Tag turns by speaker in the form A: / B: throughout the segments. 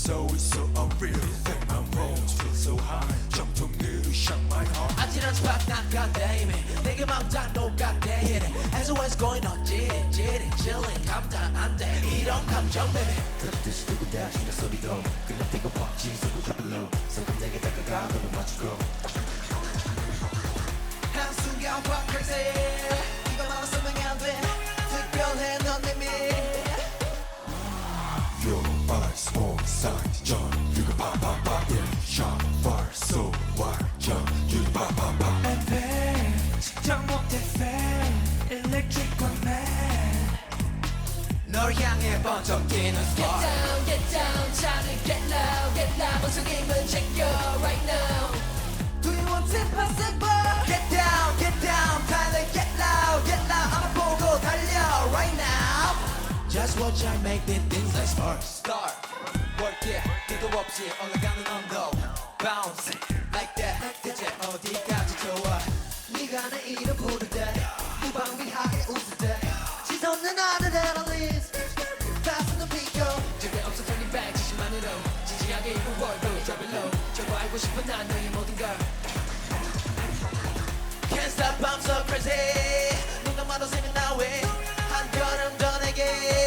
A: so it's so unreal that my bones feel so high 정통들이 shock my heart
B: 아찔한 스팟 나간대 이미 내게 맘 다 녹았대 hit it as always going on 찌릿 chilling 감당 안돼 이런 감정 baby
C: 그렇듯이 두고 다시 내 소리도 그냥 뛰고 벅지 소리 drop it low 성큼내게 다가가 너를 맞추고
B: 한순간 확 crazy 이것만 쓰면 안돼 특별해 넌 내 미
A: Your eyes on sight 전류가 팍팍팍 in shot fire so wild 전류가 팍팍팍
B: 에페 측정 못해 fan electrical man 널 향해 번쩍 뛰는 spark
D: Get down, time to get loud 목소리만 check you right now
B: Do you want to pass it by? Get down, 달려 get loud 아마 보고 달려 right now Just watch I make these things like sparks Start, work it, 끝도 없이 올라가는 언덕 Bounce, like that 대체 어디까지 좋아 네가 내 이름 부를 때 무방비하게 웃을 때 시선은 adrenaline 다스는 피고
D: 절대 없어 turning back 지시만으로 진지하게 입은 월드 drop it low 저거 알고 싶은 난 너의 모든 걸
B: Can't stop, I'm so crazy 눈 감아도 생각나 왜 한 걸음 더 내게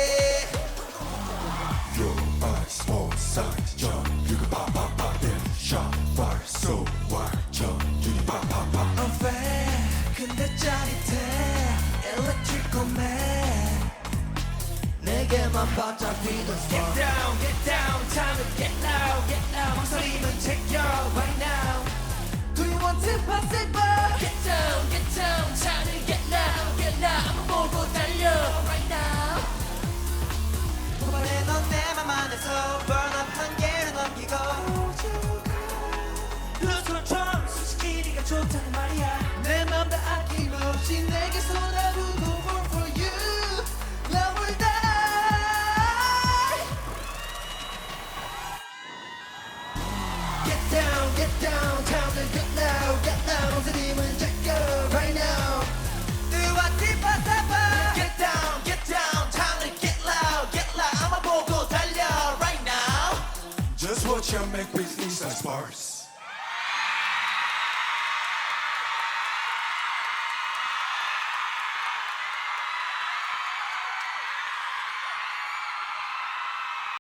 A: Your eyes on sight 전류가 팍팍팍 in shot fire so wild 전류가 팍팍팍
B: I'm fat 근데 짜릿해 Electrical man 내게만 반짝 뛰는 spark
D: Get down, time to get loud 목소리만 check you right now
B: Do you want to pass it by?
D: Get down, time to get loud 아무 보고 달려 right now
B: 도발해 넌 내 맘 안에서 Burn up 한계를 넘기고 루스처럼 솔직히 네가 좋다는 말이야 내 맘 다 아낌없이 내게 쏟아부고 More for you Love will die Get down, time to get loud 목소리만 check you right now 뜨와 띠빠따빠 Get down, time to get loud 아마 보고 달려 right now
A: Just watch I make beats like sparks